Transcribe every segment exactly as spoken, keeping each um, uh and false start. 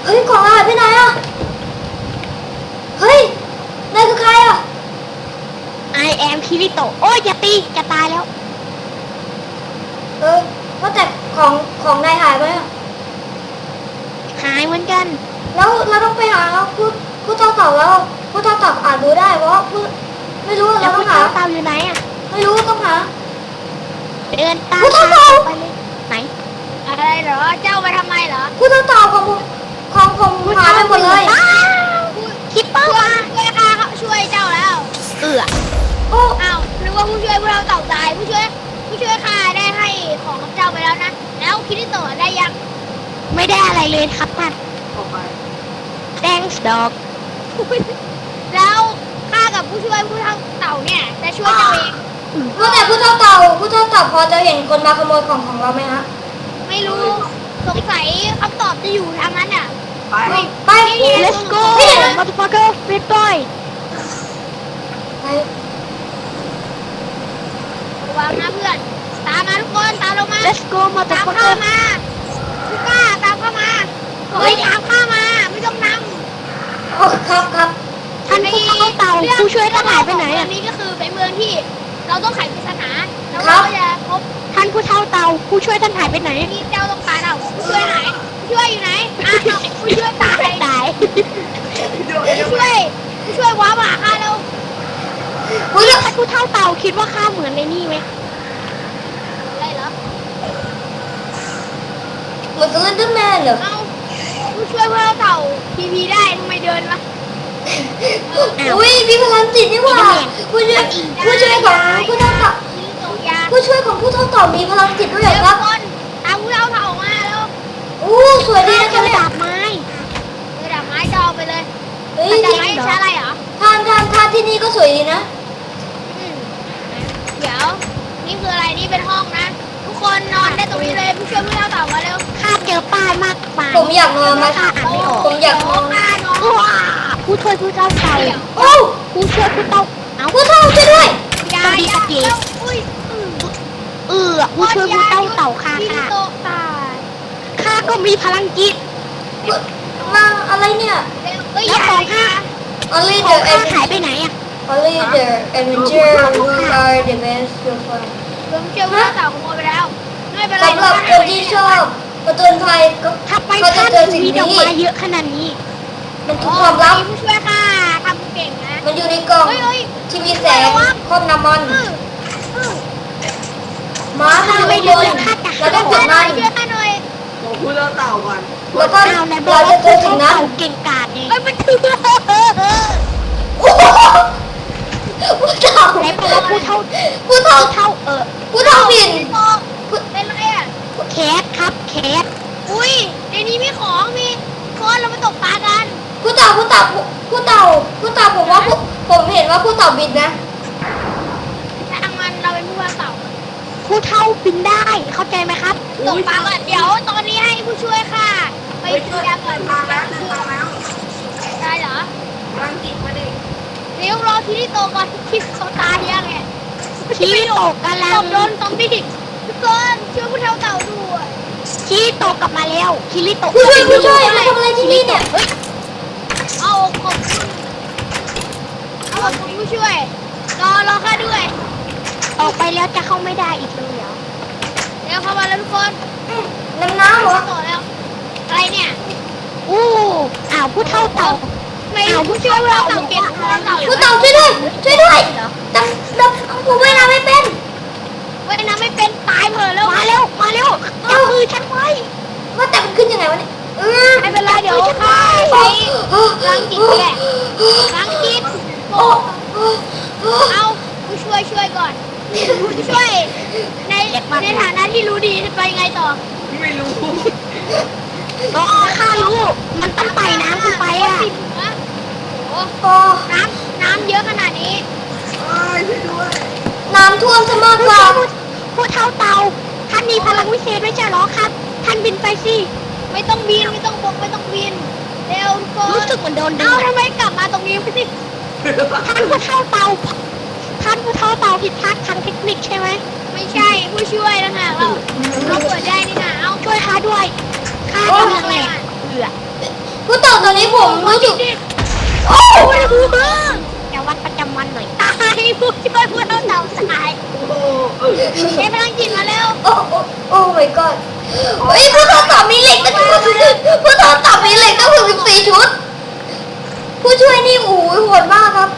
ฮ้ยของหายไปไหนอ่ะเฮ้ยนายคือใครอ่ะ I am Kirito โอ้ยอย่าตีจะตายแล้วเออว่าแต่ของของนายหายไปอ่ะหายเหมือนกันแล้วเราต้องไปหาผู้ผู้เท่าเต่าแล้วผู้เท่าเต่าอาจดูได้เพราะผู้ไม่รู้แล้เราวต้คุอณงหาเต่าอยู่ไหนอ่ะไม่รู้ต้องหาเดินตามคุณเต่าไปเลยไหนอะไรเหรอเจ้ามาทำไมเหรอผู้เท่าเต่าของผมของผมหายไปหมดเลยคิปเปอร์ช่วยมาช่วยข้าเขาช่วยเจ้าแล้วเอือโอ้อ้าวนึกว่าผู้ช่วยพวกเราเต่าตายผู้ช่วยผู้ช่วยข้าได้ให้ของกับเจ้าไปแล้วนะแล้วคิดที่ต่อได้ยังไม่ได้อะไรเลยครับท่าน thanks dog แล้วข้ากับผู้ช่วยผู้เท่าเต่าเนี่ยจะช่วยเจ้าเองว่าแต่ผู้เท่าเต่าผู้เท่าเต่าพอจะเห็นคนมาขโมยของของเราไหมฮะไม่รู้สงสัยคำตอบจะอยู่ทางนั้นอ่ะไปไป let's go motherfucker red boy ไประวังนะเพื่อนตามมาทุกคนตามเรามา let's go ตามข้า motherfucker มาทุกข้าตามเข้ามาเฮ้ยตามข้ามาไม่ต้องนำโอ้ครับครับท่านผู้เข้าเต่าผู้ช่วยท่านหายไปไหนอัอ่ะนนี้ก็คือเป็นเมืองที่เราต้องไขปริศนาแล้วเราก็จะพบท่านผู้เท่าเต่าผู้ช่วยท่านหายไปไหนนี่เจ้าต้องการเอาผู้ช่วยไหนผู้ช่วยอยู่ไหนอ่ะเอาผู้ช่วยตายตายผู้ช่วยผู้ช่วยว้ามาหาข้าแล้วอุ้ยท่านผู้เท่าเต่าคิดว่าข้าเหมือนในนี่ไหมอะไรเหรอเหมือนสเลนเดอร์แมนเหรอเอาผู้ช่วยพวกเราเต่าพีพีได้ทำไมเดินวะอุ้ยมีพลังจิตนี่หว่าผู้ช่วยผู้ช่วยของผู้เท่าเต่ายิงตกยาผู้ช่วยของผู้เท่าเต่ามีพลังจิตด้วยเหรเร็อวครับคนตามผู้เท่าเต่ามาแล้วอู้สวยดีนะเจครับอเนี่ยดาบไม้เออดาบไม้จะเอาไปเลยเฮ้ยดาบที่ไม้ใช้อะไรเหรอทานทานทานที่นี่ก็สวยดีนะอืมเดี๋ยวนี่คืออะไรนี่เป็นห้องนะ ทุกคนนอนได้ตรงนี้เลยผู้ช่วยผู้เท่าเต่ามาเร็วข้าเจอป้ายมากมายผมอยากนอนมาข้าอ่านไม่ออกผมอยากนอนข้านอนว้าผู้ช่วยผู้เท่าเต่าโอ้ผู้ช่วยผู้เต่าเอาผู้เท่าช่วยด้วยยาต้องดียาสักทีอุ้ยอืมเออผู้ช่วยผู้เต่าเต่าข้าที่ค่ะโตะตายข้าก็มีพลังจิตมาอะไรเนี่ยเร็วเอ้ยแล้วของข้า Only ข the องข้าหายไปไหนอะ Only the Avenger who are the best so far รวมเชื่อว่าเต่าขโมยไปแล้ว ไม่เป็นไรสำหรับคนที่ชอบประจนภัยก็ทำไมก็จะท่านเจอสิ่งมีดอกนี้ไม้เยอะขนาดนี้มันทุโอ้กความลับมีผู้ช่วยค่ะทำเก่งนะมันอยู่ในกล่องเฮ้ยเฮ้ยที่มีแสงครอบน้ำมันอื้ออื้อม้ามันอยู่ข้างบนแล้วก็กช่วดยหน่มัอยนช่วยข้าหน่อยผมพูดเรื่องเต่าก่อนแล้วก็เอาแล้วบอเรากว่าจะเจอสิ่งนั้นเต่าเก่งกาจเองเอ้ยมันถือโอ้โหผู้เท่าไหนบอกว่าผู้เท่าผู้เท่าผู้เท่าเออผู้เท่าบินเป็นไรอ่ะแคทครับแคทอุ้ยในนี้มีของมีคนเรามาตกปลากันผู้เต่าผู้เต่าผู้เต่าผู้เต่าผมว่าผู้ผมเห็นว่าผู้เต่าบินนะทางมันเราเป็นผู้ว่าเต่าผู้เท่าบินได้เข้าใจไหมครับตกปลาก่อนเดี๋ยวตอนนี้ให้ผู้ช่วยค่ะ ไปเฮ้ยซื้อยาก่อนมาแล้วมาแล้วได้เหรอรังกิจมาดิเดี๋ยวรอที่ที่โตก่อนที่เขาตายยังไงชี้ตกกำลัตงบโดนซอมบี้ทุกคนช่วยผู้เท่าเต่าด้วยชี้ตกกลับมาแล้วคิริโตะผู้ช่วยผู้ช่วยมาทำอะไรที่นี่เนี่ยเฮ้ยเอาขอบคุณเอาขอบคุณผู้ช่วย รอรอข้าด้วยออกไปแล้วจะเข้าไม่ได้อีกเลยเหรอเดี๋ยวเข้ามาแล้วทุกคนน้ำน้ำเหรอต่อแล้ว อะไรเนี่ยอู้อ้าวผู้เท่าเต่าไม่ผู้ช่วยผู้เท่าเต่าเก่งผู้เท่าเต่าผู้เต่าช่วยด้วยช่วยด้วยดำดำผมว่ายน้ำไม่เป็นว่ายน้ำไม่เป็นตายเหมือแล้วมาเร็วมาเร็วจับมือฉันไว้ว่าแต่มันขึ้นยังไงวะเนี่ยเออไม่เป็นไรเดี๋ยวข้าไปล้างจิตแหละล้างจิตโอ้เอาผู้ช่วยช่วยก่อนผู้ช่วยในในฐานะที่รู้ดีจะไปไงต่อไม่รู้ก็ข้ารู้มันต้องไปน้ำขึ้นไปอ่ะติดหัวโอ้โอ้น้ำน้ำเยอะขนาดนี้เอ้ยช่วยด้วยน้ำท่วมซะมากกว่าผู้เท่าเต่าท่านมีพลังวิเศษไม่ใช่เหรอครับ ท่านบินไปสิไม่ต้องบินไม่ต้องบกไม่ต้องบินเร็วทุกคนรู้สึกเหมือนโดนดึเอ้าง ทำไมกลับมาตรงนี้ไม่สิท่านผู้เท่าเต่าท่านผู้เท่าเต่าผิดพลาดทางเทคนิคใช่ไหมไม่ใช่ผู้ช่วยนะฮะเราเราเปิดได้นี่นะเอาช่วยข้าด้วยข้ากำลังแหลกเอืออนนี้ผมรู้สึกโอ้โอ้ยจะวัดประจำวันหน่อยตายผู้ช่วยผู้เท่าเต่าสายโอ้โหใช้พลังจิตมาเร็วโอ้โอ้โอ้ my god เฮ้ยผู้ทดสอบมีเหล็กตั้งผู้ทดสอบมีเหล็กตั้งสิบสี่ชุด ผู้ช่วยนี่โอ้โหโหดมากครับ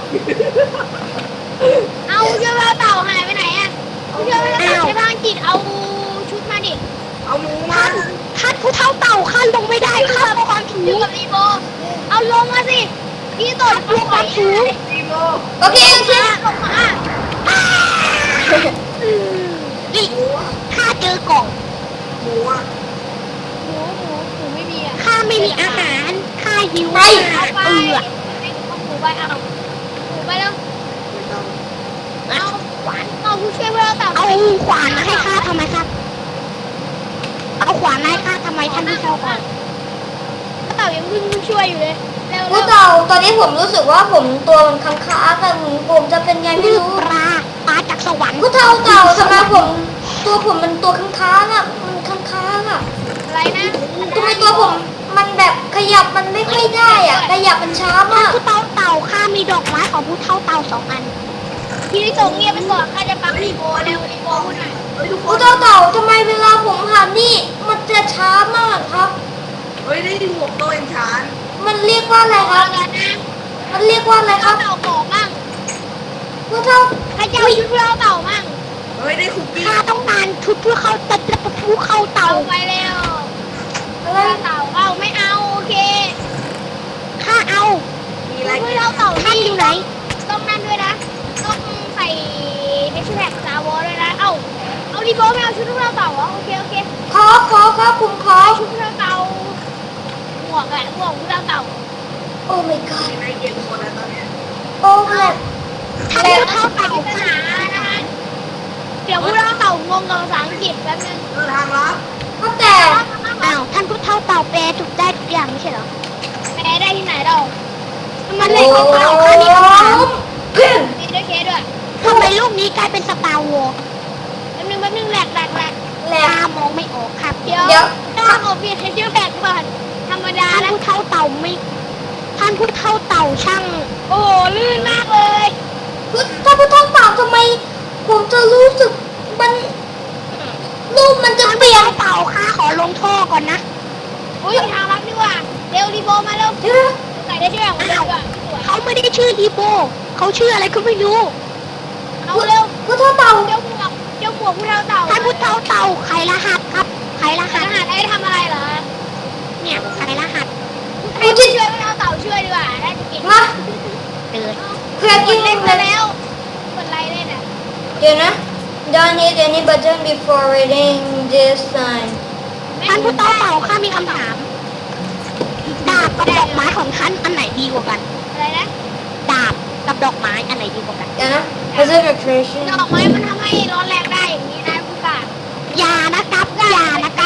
เอาช่วยพลังเต่าหายไปไหนอ่ะผู้ช่วยพลังเต่าใช้พลังจิตเอาชุดมาดิเอาหมูมาท่านท่านผู้เท่าเต่าข้าลงไม่ได้ข้าเพราะความสูอยู่งกับรีโบเอาลงมาสิพี่ตดลงความสูงดีโบโอเคโอเคลงมานี่ข้าเจอกล่องหมูอ่ะหมูหมูหมูไม่มีอ่ะข้าไม่มีอาหารข้าหิวไปมากเอาไปเอือเอาหมูไปเอาหมูไปแล้วไม่ต้องเอาขวานเอาผู้ช่วยพลังเต่าเอาขวานมาให้ข้าทำไมครับ เอาขวานมาให้ข้าทำไมท่านผู้เท่าเต่าเต่ายังเพิ่งช่วยอยู่เลยเร็วผู้เต่าตอนนี้ผมรู้สึกว่าผมตัวมันค้างค้างๆอะผมผมจะเป็นไงไม่รู้ปลาปลาจากสวรรค์ผู้เต่าเต่าทำไมผมตัวผมมันตัวค้างค้างๆอะมันค้างค้างๆอะอะไรนะทำไมตัวผมมันแบบขยับมันไม่ค่อยได้อะขยับมันช้าท่านมากผู้เท่าเต่าข้ามีดอกไม้ของผู้เท่าเต่าสองอันพี่ลิส่งเงียบไปก่อนข้าจะปักรีโบเร็วรีโบพูดหน่อยเฮ้ยทุกคผู้นเต่าเต่าทำไมเวลาผมหันนี่มันจะช้ามากครับเฮ้ยได้หมวกโตเอ็นชานมันเรียกว่าอะไรคเอารับกันนะมันเรียกว่าอะไรคเต่ารับเต่าบอกมั่งผู้เต่าใครจะเอาชุดเราเต่ามั่งเฮ้ยได้คุกกี้ข้าต้องการชุดเพื่อเข้าตัดและผู้เข้าเต่าเต่าไปเร็วอะไรเต่าเอาไม่เอาโอเคข้าเอามีอะไรชุดเราเต่าท่านอยู่ไหนต้องนั่นด้วยนะต้องใส่เฮชแท็กซาวอด้วยนะเอ้าเอารีโบไม่เอาชุดเราเต่าเหรอโอเคโอเคขอขอครับผมขอชุดเราเต่าหมวกแหละหมวกชุดเราเต่าโอ้ my god มีอะไรเย็นหมดแล้วตอนเนี้ยโอ้แหลกท่านแหลกผู้เท่าปริเต่าศนานะคะเดี๋ยวพวกเราเต่างงกับภาษาอังกฤษแป๊บนึงเออทางลับก็แต่อ้าวท่านผู้เท่าเต่าแปลถูกได้ทุกอย่างไม่ใช่เหรอแปลได้ที่ไหนเรามันเลยของเต่าข้ามีคำถามเพื่อนมีด้วยเคสด้วยทำไมลูกนี้กลายเป็นสตาร์วอร์แป๊บนึงแป๊บนึงแหลกแหลกแหลกแหลกตามองไม่ออกครับเดี๋ยวเดี๋ยวต้องเอาเปลี่ยนให้ชื่อแหลกก่อนธรรมดาท่านนะผู้เท่าเต่าไม่ ท่านผู้เท่าเต่าช่างโอ้โหลื่นมากเลยพุทถ้าพุทธเปล่าทำไม ผมจะรู้สึกมันรูปมันจะท่านเปผู้ลี่ยนเท่าเต่าข้าขอลงท่อก่อนนะอุ้ยทางลับดีกว่าเร็วรีโบมาเร็วเดี๋ยวนะใส่ได้ชื่ออย่างเดียวอ่ะสวยเขาไม่ได้ชื่ออีโบเขาชื่ออะไรก็ไม่รู้เอาเร็วพุทธเปล่าเจ้าหมวกเจ้าหมวกผู้เท่าเต่าท่านผู้เท่าเต่าไขรหัสครับไขรรหัสหัสไอ้ทำอะไรเหรอเนี่ยไขรหัสให้ผู้ช่วยผู้เท่าเต่าช่วยดีกว่าน่าจะเก่งมาเดินเพื่อกิกินนเล่นเลมาย แล้วกดไลค์เล่นอ่ะเดี๋ยวนะ Don't hit any button before reading this sign ท่านผู้เท่าเต่าข้ามีคำถาม ดาบกับดอกไม้ของท่านอันไหนดีกว่ากันอะไรนะดาบกับดอกไม้อันไหนดีกว่ากันเดี๋ยวนะ Preservation ดอกไม้มันทำให้ร้อนแรงได้อย่างนี้นะผู้กาอย่านะครับอย่านะครับ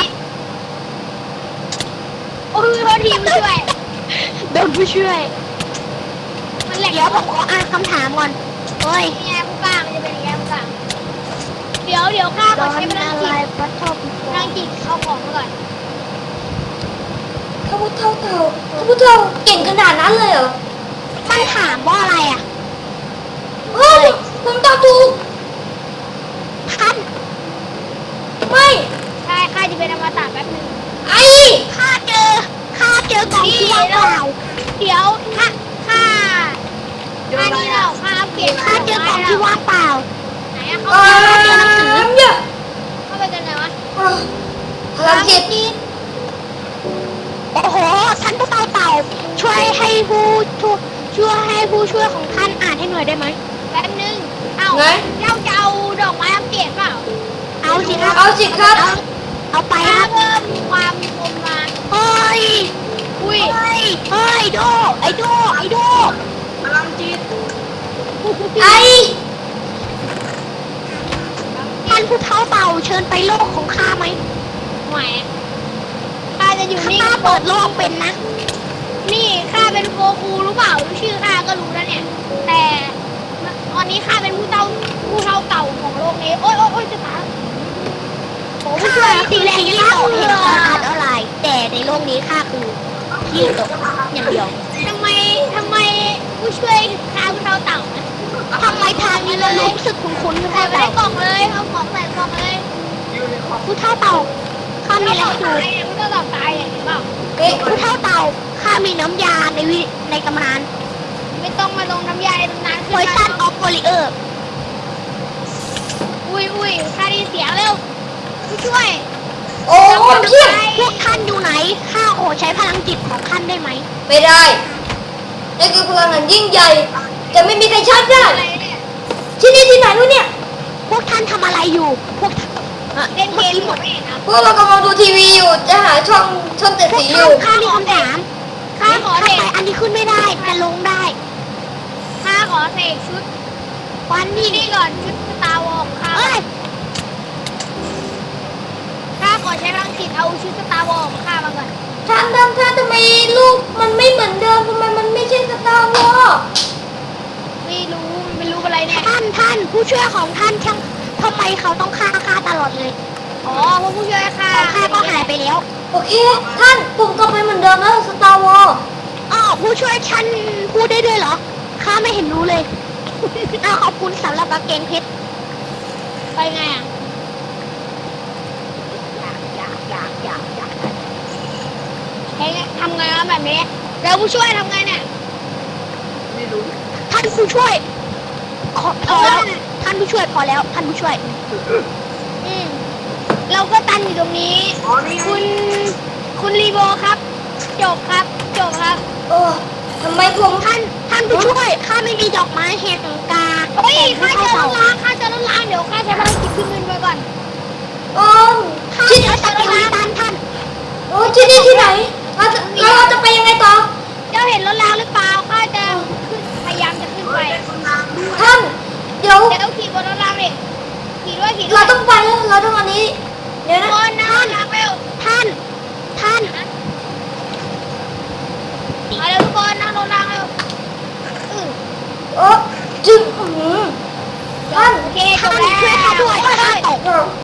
โอ้ยโทษทีผู้ช่วยโดนผู้ช่วยมันแหลกเดี๋ยวผมขออ่านคำถามก่อนเฮ้ยนี่ไงผู้กามันจะเป็นอย่างนี้ผู้กาเดี๋ยวเดี๋ยวข้าขอใช้พลังจิตปัททบพลังจิตเอาของมาก่อนข้าพุทธเต่าข้าพุทธเต่าเก่งขนาดนั้นเลยเหรอมันถามว่าอะไรอ่ะเฮ้ยผมตอบถูกท่านไม่ใช่ข้าจะเป็นอมตะแป๊บนึงไอ้ข้าเจอข้าเจอกล่องที่ว่างเปล่าเดี๋ยวข้าข้าข้านี่เราข้าอัปเกรดข้าเจอกล่องที่ว่างเปล่าไหนอะเอเขาอเจอหนังสือเนี่ยเข้าไปกันไหนวะเออพลังจิตโอ้โหท่านผู้เต่าเต่าช่วยให้ผู้ช่วยช่วยให้ผู้ช่วยของท่านอ่านให้หน่อยได้ไหมแป๊บนึงเอ้าไหนเจ้าจะเอาดอกไม้อัปเกรดเปล่าเอาสิครับเอาสิครับเอาเอาไปคข้ารับเพิ่มความคมมาเฮ้ยอุ้ยเฮ้ยเฮ้ยโดไอโดไอโดพลังจิตไอ้ท่านผู้เท่าเต่าเชิญไปโลกของข้าไหมแหมข้าจะอยู่นี่ข้าเปิดโลกเป็นนะนี่ข้าเป็นโกคูรู้เปล่ารู้ชื่อข้าก็รู้แล้วเนี่ย แต่ตอนนี้ข้าเป็นผู้เท่าผู้เท่าเก่าของโลกนี้ โอ๊ยโอ๊ยโอ๊ยจะตายโอ้ผู้ช่วยทีแรกที่เราเห็นข้าอ่านอะไร แต่ในโลกนี้ข้าคือเทยิงตกอย่างเดียวทำไมทำไมผู้ช่วยถึงฆ่าผู้เท่าเต่านะทำไมทางนี้เรารู้สึกคุ้นๆผู้ใส่เท่าไว้ในเต่ากล่องเลยเอาของใส่กล่องเลยอยู่ในคอมผู้เท่าเต่าข้ามีอะไรให้ดูตายเนี่ยผู้เท่าเต่าตายเนี่ยเห็นเปล่าเอ๊ะผู้เท่าเต่าข้ามีน้ำยาในวิในตำนานไม่ต้องมาลงน้ำยาในตำนานไวซันออฟโกลิเออร์อุ้ยอุ้ยค่าได้เสียงเร็วผู้ช่วยโอ้เพียบพวกท่านอยู่ไหนข้าขอใช้พลังจิตของท่านได้ไหมไม่ได้นี่คือพลังงานยิ่งใหญ่ จะไม่มีใครชาร์จได้อะไรเนี่ยที่นี่ที่ไหนวะเนี่ยพวกท่านทำอะไรอยู่ พวกท่านอ่ะเล่นเกเมื่อมกี้หหมมดดเองนะพวกเรากำลังดูทีวีอยู่ จะหาช่องช่องเจ็ดพวกสีอท่านยู่ข้ามีคำถามข้าขอทำเสไมกอันนี้ขึ้นไม่ได้แต่ลงได้ข้าขอเสกชุดวันนี่นี้นี่ก่อนชุดสตาร์วอลข้าเอ้ยข้าขอใช้พลังจิตเอาชุดสตาร์วอลของข้ามาก่อนท่านท่านท่านทำไมลูกมันไม่เหมือนเดิมทำไมมันไม่ใช่สตาร์วอร์ไม่รู้มันเป็นรูปอะไรเนี่ยท่านท่านผู้ช่วยของท่านช่างทำไมเขาต้องฆ่าข้าตลอดเลยอ๋อเพราะผู้ช่วยข้าของข้าก็หายไปแล้วโอเค ท่านผมกลับไปเหมือนเดิมแล้วสตาร์วอร์อ้าวผู้ช่วยฉันพูดได้ด้วยเหรอข้าไม่เห็นรู้เลย อ้าวขอบคุณสำหรับกางเกงเพชรไปไงอ่ะอยากอยากอยากอยากอยากใช้ไงทำไงวะแบบนี้แล้วผู้ช่วยทำไงเนี่ยไม่รู้ท่านผู้ช่วยขอพอแล้วท่านผู้ช่วยพอแล้วท่านผู้ช่วยอืมเราก็ตันอยู่ตรงนี้อ๋อนี่ไงคุณคุณรีโบครับ จบครับ จบครับเออทำไมผมท่านท่านผู้ช่วยข้าไม่มีดอกไม้แห่งกาเฮ้ยแต่ข้าผู้เจอเท่ารถเต่าล้างข้าเจอรถล้างเดี๋ยวข้าใช้พลังจิตขึ้นเงินไปก่อนเออข้าที่เจอสกิลตันท่านโอ้ที่นี่ที่ไหนเราจะแล้วเราจะไปยังไงต่อเจ้าเห็นรถล้างหรือเปล่าข้าจะขึ้นพยายามจะขึ้นเฮ้ไปยเป็นคนน้ำด้วยท่าน เดี๋ยวเดี๋ยวขี่บนรถล้างดิขี่ด้วยขี่ด้วเรายต้องไปแล้วเราต้องอันนี้ เดี๋ยวนะคนนะรถล้างเร็วท่านท่านมาเร็วทุกคนนั่งรถล้างเร็วอือโอ้จึงอื้อหือท่านโอเคจท่าบนแล้วช่วยข้าด้วยข้าตกเออ